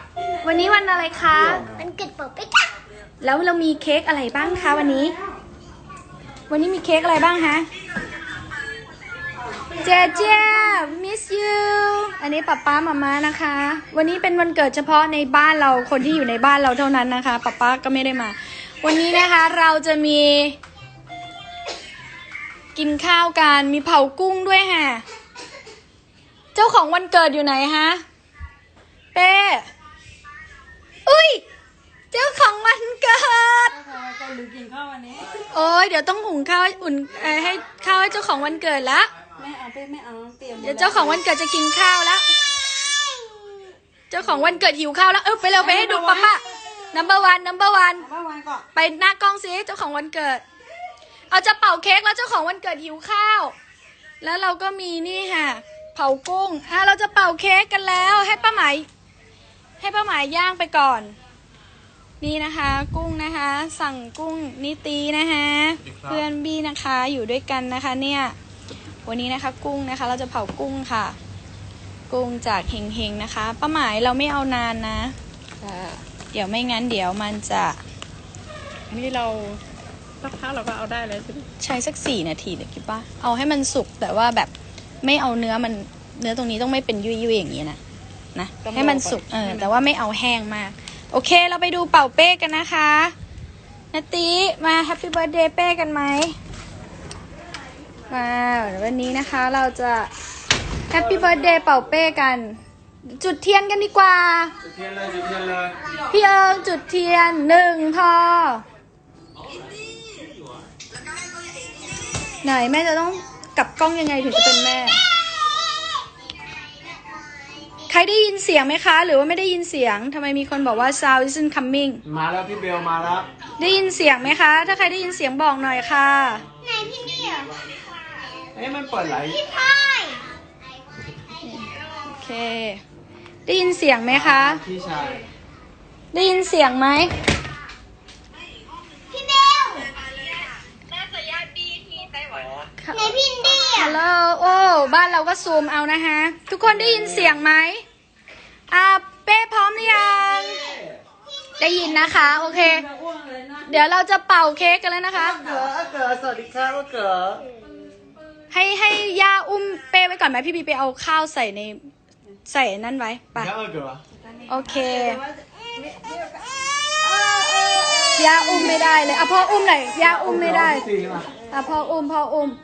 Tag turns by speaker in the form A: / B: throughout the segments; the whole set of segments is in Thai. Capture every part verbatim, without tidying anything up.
A: วันนี้วันอะไรคะ
B: มันเกิดเปิดไปจ้ะ
A: แล้วเรามีเค้กอะไรบ้างคะวันนี้ วันนี้มีเค้กอะไรบ้างฮะเจเจ miss you อันนี้ป๊าป๊ามาม่านะคะ วันนี้เป็นวันเกิดเฉพาะในบ้านเราคนที่อยู่ในบ้านเราเท่านั้นนะคะป๊าป๊าก็ไม่ได้มา วันนี้นะคะเราจะมี กินข้าวกันมีเผากุ้งด้วยค่ะเจ้าของวันเกิดอยู่ไหนฮะเป้อุ้ยเจ้าของวันเกิด
C: ก็ลืมกินข้าววันนี้
A: โอ้ยเดี๋ยวต้องหุงข้าวอุ่นเอ่อให้ข้าวให้เจ้าของวันเกิดละ
C: ไม่เอาไปไม่เอาเตรียม
A: เดี๋ยวเจ้าของวันเกิดจะกินข้าวแล้วเจ้าของวันเกิดหิวข้าวแล้วเออไปเร็วไปให้ดูป๊าป๊า number one number one
C: เมื่อวานก่อน
A: ไปหน้ากล้องสิเจ้าของวันเกิดเอาจะเป่าเค้กแล้วเจ้าของวันเกิดหิวข้าวแล้วเราก็มีนี่ค่ะเผากุ้งอ่ะเราจะเป่าเค้กกันแล้วให้ป้าหมายให้ป้าหมายย่างไปก่อนนี่นะคะกุ้งนะคะสั่งกุ้งนิตีนะคะเพื่อนบี้นะคะอยู่ด้วยกันนะคะเนี่ยวันนี้นะคะกุ้งนะคะเราจะเผากุ้งค่ะกุ้งจากเฮงเฮงนะคะป้าหมายเราไม่เอานานนะเดี๋ยวไม่งั้นเดี๋ยวมันจะนี่เราสักพักเราก็เอาได้เลยใช้สักสี่นาทีเดี๋ยวคิดว่าเอาให้มันสุกแต่ว่าแบบไม่เอาเนื้อมันเนื้อตรงนี้ต้องไม่เป็นยุ่ยๆอย่างนี้นะนะให้มันสุกเออแต่ว่าไม่เอาแห้งมากโอเคเราไปดูเป่าเป้กันนะคะนาติมาแฮปปี้เบิร์ธเดย์เป้กันไหมมาวันนี้นะคะเราจะแฮปปี้เบิร์ธเดย์เป่าเป้กันจุดเทียนกันดีกว่าจุดเทียนเลยจุดเทียนเลยพี่เอิงจุดเทียนหนึ่งพอไหนแม่จะต้องกลับกล้องยังไงถึงจะเป็นแม่ใครได้ยินเสียงไหมคะหรือว่าไม่ได้ยินเสียงทำไมมีคนบอกว่า sound isn't coming
D: มาแล้วพี่เบลมาแล้ว
A: ได้ยินเสียงไหมคะถ้าใครได้ยินเสียงบอกหน่อยค่ะ
B: ไหนพี่เนี่ย
D: เอ๊ะมันเปิดไหล
B: พี่พาย
A: โอเคได้ยินเสียงไหมคะ
D: พี่ชาย
A: ได้ยินเสียงไหม
B: พี่เบลไหนพี่อินดี้
A: ฮั
B: อ่ะ
A: ลโหลโอ้บ้านเราก็ซูมเอานะคะทุกคนได้ยินเสียงไหมอ่าเป้พร้อมหรือยังได้ยินนะคะโอเคเดี๋ยวเราจะเป่าเค้กกันแล้วนะคะ
D: เก๋อเก๋อสวัสดีครับเก๋อ
A: ให้ให้ย่าอุ้มเป้ไว้ก่อนไหมพี่บีไปเอาข้าวใส่ในใส่นั่นไว้ไป
D: เก๋อเก๋อ
A: โอเคย่าอุ้มไม่ได้เลยอ่ะพ่ออุ้มหน่อยย่าอุ้มไม่ได้อ่ะพ่ออุ้มพ่ออุ้ม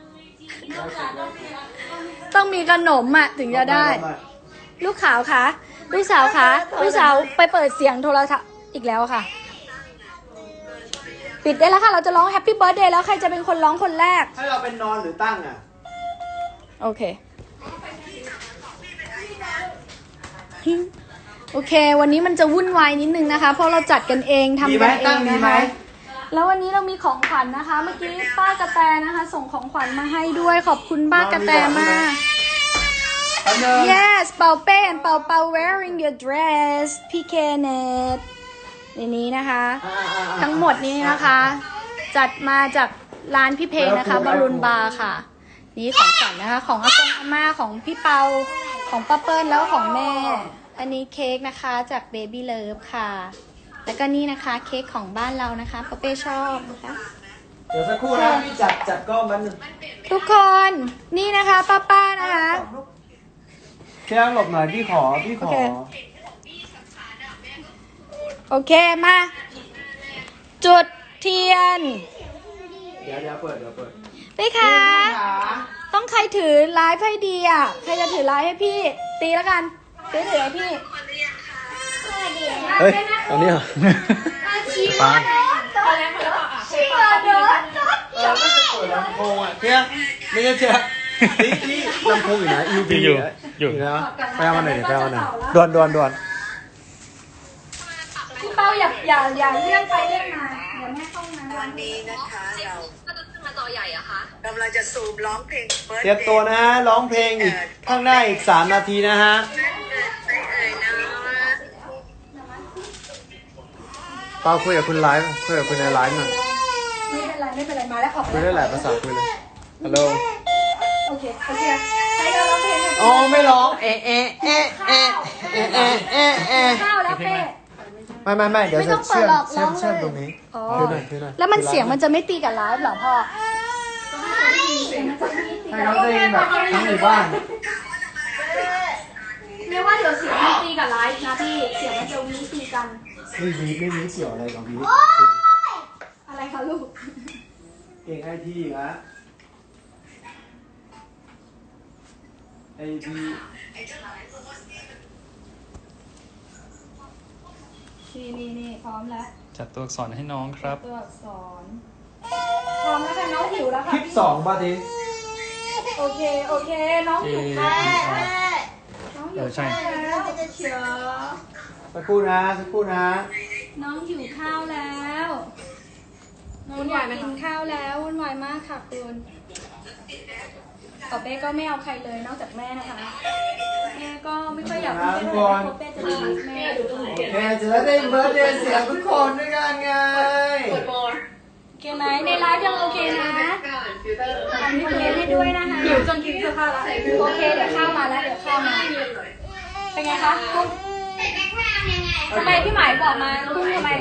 A: ต้องมีขนมอ่ะถึงจะได้ลูกขาวคะลูกสาวคะลูกสาวไปเปิดเสียงโทรศัพท์อีกแล้วค่ะปิดได้แล้วค่ะเราจะร้องแฮปปี้เบิร์ธเดย์แล้วใครจะเป็นคนร้องคนแรก
D: ให้เราเป็นนอนหรือตั้งอ่ะ
A: โอเคโอเควันนี้มันจะวุ่นวายนิดนึงนะคะเพราะเราจัดกันเองทำกันเองนะคะแล้ววันนี้เรามีของขวัญนะคะเมื่อกี้ป้ากระแตนะคะ ส่งของขวัญมาให้ด้วยขอบคุณป้ากระแตมาก yes เป่าเป้ and เป่าเป่า wearing your dress พี่เคเนตในนี้นะคะ ทั้งหมดนี้นะคะ จัดมาจากร้านพี่เพลงนะคะบอลลูนบาร์ค่ะนี่ของขวัญนะคะของอากงอาม่าของพี่เปาของป้าเปิ้ลแล้วของแม่อันนี้เค้กนะคะจาก Baby Love ค่ะแล้วก็นี่นะคะเค้กของบ้านเรานะคะป้าเป้ชอบนะคะ
D: เดี๋ยวสักครู่นะพี่จัดจัดกล้องมัน
A: ทุกคนนี่นะคะป้าป้านะคะ
D: เชื่อหลบหน่อยพี่ขอพี่ขอ
A: โอเคมาจุดเทียน
D: เดี๋ยวเดี๋ยวเปิดเดี๋ยวเปิด
A: ไปค่ะต้องใครถือไลฟ์ให้ดีอ่ะใครจะถือไลฟ์ให้พี่ตีแล้วกันตีถือให้พี่
D: เฮ้ยตอนนี้เหรอปา
B: ชีวาเดิน
D: เราไม่จะเปิดลำโพงอ่ะเชื่อไม่ใช่เชื่อนี่นี่ลำโพงอยู่นะยูบีอยู่อยู่นะไปเอามาหน่อยเดี๋ยวไปเอามาหน่อยด่วนด่วนด่วน
A: พี่เป้าอย่าอย่าอย่าเลื่อนไปเลื่อนมาเดี๋ยวแม่เข้ามา
E: วันนี้นะคะเรากำลังจะซูมร้องเพลง
D: เตรียมตัวนะฮะร้องเพลงอีกข้างหน้าอีกสามนาทีนะฮะ
E: ไม่เอ่ยนะ
D: เปาคุยกับคุณไลฟ์คุยกับคุณในไลฟ์หน่อย
A: ไม่เป็นไรไม่เป็นไรมาแล้วออก
D: คุยได้หลายภาษาคุยเลยฮัลโหล
A: โอเคโอเคใครจะร้องเพลงกัน
D: โอ้ไม่ร้องเอะเอะเอะเอะเอะเอะเอะเอะ
A: ข้าวแล้วเป้
D: ไม่ไม่ไม่เดี๋ยว
A: ไม่
D: จะ
A: ต้องเปิ
D: เชื่
A: ด
D: อม
A: หรอก
D: เชื่อม
A: ร้องเลย
D: เชื่อมตรงนี้
A: อ๋อ
D: คือหน่อยคือหน่อย
A: แล้วมันเสียงมันจะไม่ตีกับไลฟ์เหรอพ่อ
D: ให้เขาได้ยินแบบทั้งหมู่บ้าน
A: เรียกว่าเดี๋ยวเสียงมันตีกับไลฟ์นะพี่ เสียงมันจะวิ่งตีกัน
D: ไม่วีไม่วีเกี่ยวอะไรกับวี
A: อะไรคะลูก
D: เก่งไอทีอีกแล้วไอที
A: นี่นี่นี่พร้อมแล้ว
F: จัดตัวอักษรให้น้องครับ
A: ตัวอักษร พร้อมแล้วค่ะน้องหิวแล้ว
D: ค
A: ค่ะ
D: ลิปสองป่ะที
A: โอเคโอเค น้องหิวข้าวน้องหิ
F: เอ
A: ว
F: อใช่
A: ข้าวแล้วเชียว
D: สักครู่นะสักครู่นะ
A: น้องหิวข้าวแล้วน้องอยากกินข้าวแล้ววุ่นวายมากค่ะคุณต่อเป้ก็ไม่เอาใครเลยนอกจากแม่นะคะ แม่ก็ไม่ค่อยอยากพูดเรื่องอะไรเพราะเป้จะรักแม่ดูตรงไหน
D: โอเคจะได้เบิร์ดเดย์เสียงทุกคนด้วยกันไง
A: โอเคไหมในไลฟ์ยังโอเคนะอันนี้เพลงให้ด้วยนะคะหิวจนกินเสื้อผ้าแล้วโอเคเดี๋ยวข้าวมาแล้วเดี๋ยวข้าวมาเป็นไงคะกุ้งทำไมพี่หมายบอกมากุ้งทำไม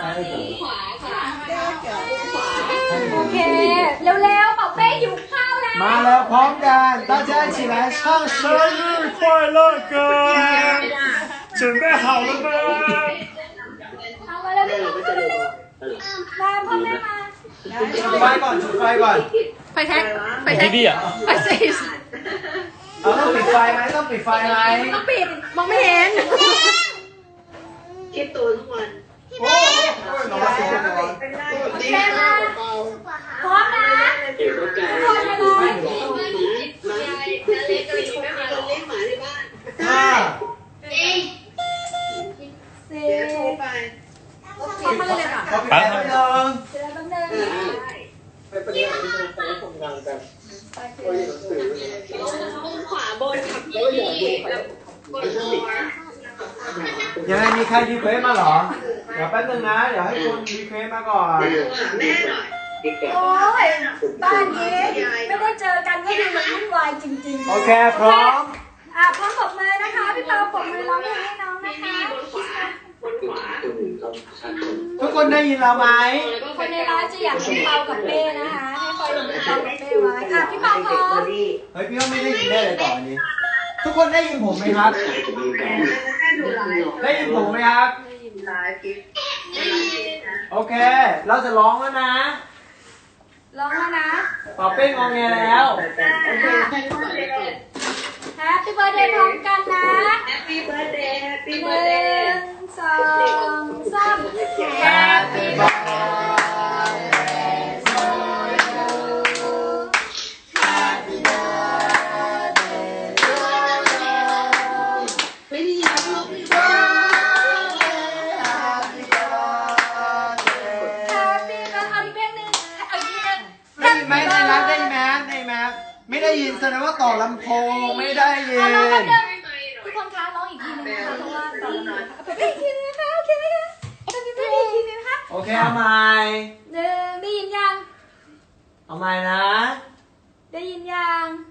A: โอเคเร็วๆบอกเป้หิวข้าวแล้ว
D: มาแล้วพร้อมกัน大家一起来唱生日快乐歌准备好了吗
A: เอามาแล้วมาพ่อแม่มา
D: จุดไฟก่อนจุดไฟก่อน
A: ไปแท็กไป
F: ที่ดีอ่ะ
A: ไปสิ
D: เอาต้องปิดไฟไหมต้องปิดไฟไหม
A: ต้องปิดมองไม่เห็น
E: คิดตัวทุกวัน
D: โอ้ยร้อนเสียงร้อน
A: แม่มาพร้อมนะทุกคนไปเลย
E: เล็กก็อยู่ไม่มาเลี้ยงหมาในบ้าน
D: ห้า
A: สี่
E: เดี๋ยวโทรไป
A: เขามาเลยค่ะ
D: เขาปิดไฟแป๊บนึง
A: เดี๋ยวแป๊บนึง
E: ขวาบนขับยี่แล้วกดหัว
D: ยังไงมีใครรีเควสมาเหรอ เดี๋ยวแป๊บนึงนะ เดี๋ยวให้คุณรีเควสมาก่อน
E: แม่หน่อย
A: โอ้ยบ้านนี้ไม่ได้เจอกันก็ดูมันวุ่นวายจริงๆ
D: โอเคพร้อม
A: อ่ะพร้อมปรบมือนะคะ พี่เปาปรบมือร้องเพลงให้น้องนะคะ
E: บนขวาบนขวา
D: ทุกคนได้ยินเราไหม
A: คนในร้านจะอยากพี่เปากับเป้นะคะ ให้คอยดูพี่เปากับเป้ไว้อ่ะพี่เปาพร้อม
D: เฮ้ยพี่ว่าไม่ได้ยินได้เลยต่ออันนี้ ทุกคนได้ยินผมไหมครับ ได้ยินผมไหมครับ โอเค เราจะร้องแล้วนะ
A: ร้องแล้วนะ
D: เป่าเป้งงอแงแล้ว
A: แฮปปี้เบิร์ดเดย์พร้อมกันนะ
E: Happy birthday Happy
A: ห
E: birthday
A: นึ่งสองสาม
D: Happy birthday to you Happy birthday to you
E: ไม่ได้ยินลูก
D: Happy birthday Happy birthday
A: แฮปปี้เบิร์ดเอาอีกเพลงหนึ่งเอาอีกเพลงหนึ่ง
D: ได้ยินไหมได้ยินได้ยินไหมได้ยินไหมไม่ได้ยินแสดงว่าต่อลำโพงไม่ได้ยิน
A: เอาร้องแป๊บเดียวทุกคนคะร้องอีกทีนึงนะคะเพราะว่าตอนนี้เอาไปอีกทีนึงนะคะโอเคไหมคะเอาไปอีกทีนึงนะคะ
D: โอเคเอาใหม่
A: หนึ่งได้ยินยัง
D: เอาใหม่นะ
A: ได้ยินยัง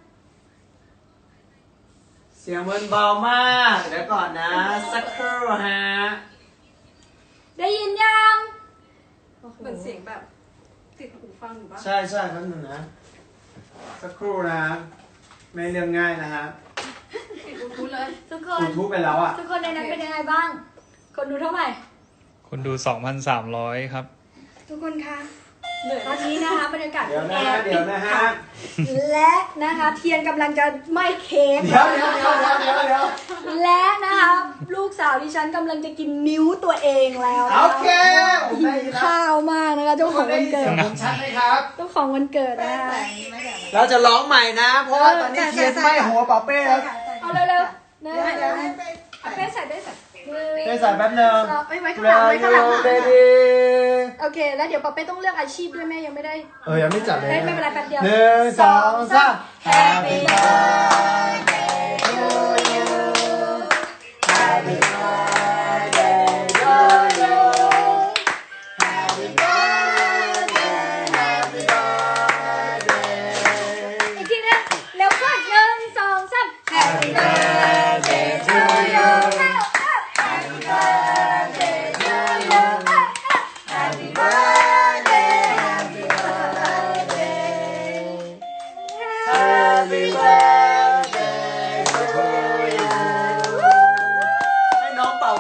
D: เสียงมันเบามากเดี๋ยวก่อนนะสักครู่ฮะ
A: ได้ยินยัง
C: เหมือนเสียงแบบติดหูฟังอยู่บ้าง
D: ใช่ใช่แป๊บนึงนะสักครู่นะไม่เรื่องง่ายนะฮะ
C: ติดบลูทูธเลย
A: ทุกค
D: ยู
A: น
D: ทูบไปแล้วอ่ะ
A: ทุกคนในนั้นเป็นยังไงบ้าง คนดูเท่าไหร่
F: คนดู สองพันสามร้อย ครับ
A: ทุกคนคะตอนนี้นะคะบรรยากาศ
D: เดี๋ยวนะ
A: แอ
D: ฮะ
A: ร์
D: เดี๋ยวนะฮะ
A: และนะคะเทียนกำลังจะไหม้เค้ก
D: เดี๋ยวเดี๋ยวเดี๋ยวเดี๋ยวเดี๋ยว
A: และนะคะลูกสาวดิฉันกำลังจะกินนิ้วตัวเองแล้วนะคะ
D: โอเคผมได้ยินแล้ว
A: ข้าวมากนะคะเจ้า
D: ทุก
A: ข
D: ค
A: อง
D: นได้
A: วัน
D: ยิน
A: เกิ
D: เสีย
A: ด
D: งผมชัดไหมครับ
A: เจ้าของวันเกิดนะคะ
D: เราจะร้องใหม่นะ เพราะว่าตอนนี้เทียนไหม้หัวเป่าเป้แล้ว
A: เอาเร็วๆเนยเอาเป้ใส่เป้ใส่
D: ได้ใส่แป๊บนึง
A: เอาไว้ไว้ข้างหลังไว้ข้างหลัง
D: เรดิ
A: โอเค แล้วเดี๋ยวปอเป้ต้องเลือกอาชีพด้วยแม่ยังไม่ได้
D: เออยังไม่จัดเลย
A: ไม่เป็นไรแป๊บเดียว
D: หนึ่งสองสาม Happy birthday to you Happy birthday to you Happy birthday Happy birthday
A: อีกทีนึงเร็วก่อนหนึ่งสอง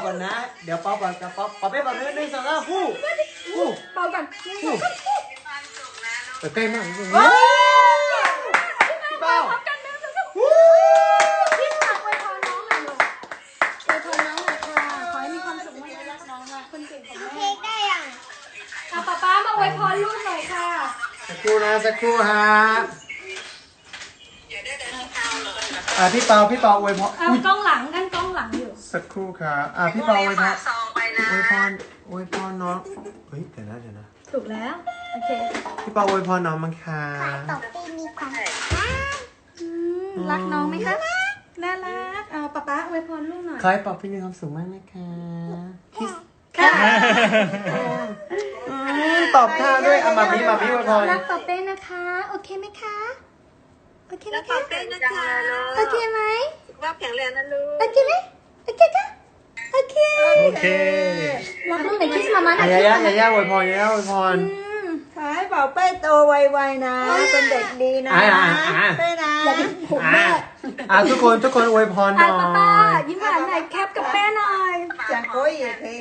D: ก่อนนะ เดี๋ยวเป่าก่อนกับเป่าเป่าไปเป่าหนึ่งหนึ่งสองสามฟู่ฟู่
A: เป่ากัน
D: ฟู่แต่ใกล้มากจริงๆ
A: ว้า
D: พี่เป่า
A: พร้อมกันหนึ่งสองสามพี่ฝากอวยพรน้องหน่อยลูกอวยพรน้องหน่อยค่ะขอให้มีความสุขมากๆรักน้องนะคนเก่งของ
B: เค้
A: แม่
B: กได้ยัง
A: อ่ะป๊าป๊ามาอวยพรลูกหน่อยค่ะ
D: สักครู่นะสักครู่ฮะ
E: อย่าได้แต่ที่เท้าเลย
D: อ่ะพี่เป่าพี่เป่าอวยพร
A: เอา
D: อุ๊ย
A: กล้องหลังกันกล้องหลังอยู่
D: สักครู่ครับอ่ะพี่เป่าอวยพร
E: ซองไปนะ
D: อวยพรอวยพรน้องเฮ้ยเดี๋ยวนะเดี๋ยวนะ
A: ถูกแล้ว โอเค
D: พี่เป่าอวยพรน้องมั้งคะ
B: ต่อไปมีความ
A: อืมรักน้องไหมคะน่ารักเอาป๊าป๊าอวยพรลูกหน่อย
D: ขอให้เป่าพี่มีความสุขมากนะคะคิส
A: ค่ะ
D: อืมตอบท่าด้วยอ่ะมาพี่มาพี่อวยพร
A: รักป๊าเป้นะคะ โอเคไหมคะ โอเคไหม
E: แล้วข
A: คะ
E: อบคุณนะคะ
A: โอเคไหม
E: ว่าแข็งแรงนะลูก
A: โอเคไหมโอเคค่ะโอเค
F: โอเค
A: รักลูกไหนคิสมามาหน่
D: อ่ะ
A: อย
D: ยาย่ายาย่าอวยพรยาย่าอวยพร
A: อืม
G: ขอให้เป่าเป้โตไวๆนะ เป็นเด็กดีนะ
D: อ่ะอ่ะอ่ะ
G: เป้นะ
A: อย่าดึงผม
D: อ่ะ
A: แม่
D: อ่ะทุกคนทุกคนอวยพรห
A: อ่ะ
D: น่อ
A: ป้าป้าย ยิ้มหวานหน่อยแคปกับแม่หน่อย
G: จะโค้ยอีกที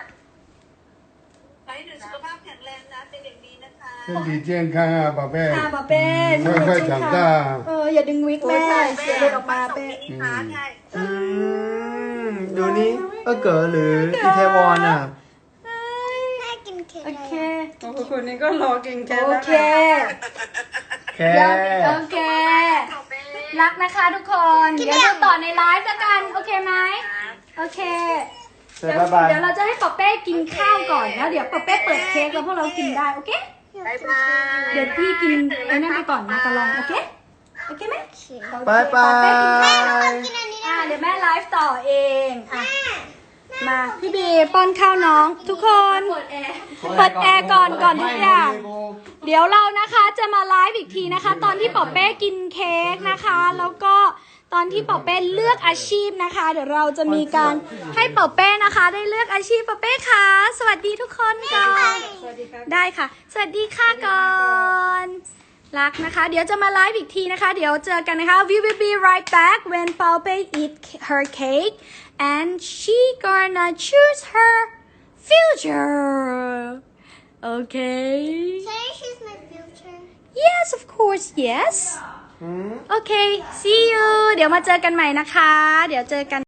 E: ขอให้หนูสุขภาพแข็งแรงนะ เป็นเด็กดีนะคะ
H: 身体健康啊，宝贝。
A: ค่ะป้าเป้
H: 快快长大。
A: เอออย่าดึงวิกแม่เสียเลยออกมาเป้
E: มินิฮาร์ทให้
D: อืมดูนี่เออเก๋อหรืออีเทวอนอ่ะ
B: แม่กินเค้ก
A: โอเค
G: โอ้โหคนนี้ก็รอกินแค่
A: โอ
G: แล้ว
A: เค
G: นะ
D: แค่
A: โอเค รักนะคะทุกคน เดี๋ยวดูต่อในไลฟ์แล้วกัน โอเคไหมโอเค
D: เสร็จ
A: เดี๋ยว
D: บ๊ายบาย
A: เดี๋ยวเราจะให้ป๊อเป้กินข้าวก่อนแล้วเดี๋ยวป๊อเป้เปิดเค้กแล้วพวกเรากินได้ โอเค
E: บ๊ายบาย
A: เดี๋ยวพี่กินไอ้นั่นไปก่อนมาตะลอง โอเค โอเคไหม
D: บายบาย
B: กินอันนี้
A: อ่าเดี๋ยวแม่ไลฟ์ต่อเองอ่ะมาพี่บีป้อนข้าวน้องทุกคน เปิดแอร์เปิดแอร์ก่อนก่อนทุกอย่าง เดี๋ยวเรานะคะจะมาไลฟ์อีกทีนะคะ ตอนที่ป๊อเป้กินเค้กนะคะ แล้วก็ตอนที่ป๊อเป้เลือกอาชีพนะคะ เดี๋ยวเราจะมีการให้ป๊อเป้นะคะ ได้เลือกอาชีพป๊อเป้ค่ะสวัสดีทุกคนก่อนได้ค่ะ สวัสดีค่ะก่อนรักนะคะ เดี๋ยวจะมาไลฟ์อีกทีนะคะ เดี๋ยวเจอกันนะคะ we will be right back when Paupe eat her cake and she gonna choose her future okay
B: Say she's my future
A: yes of course yes โอเค see you เดี๋ยวมาเจอกันใหม่นะคะ เดี๋ยวเจอกัน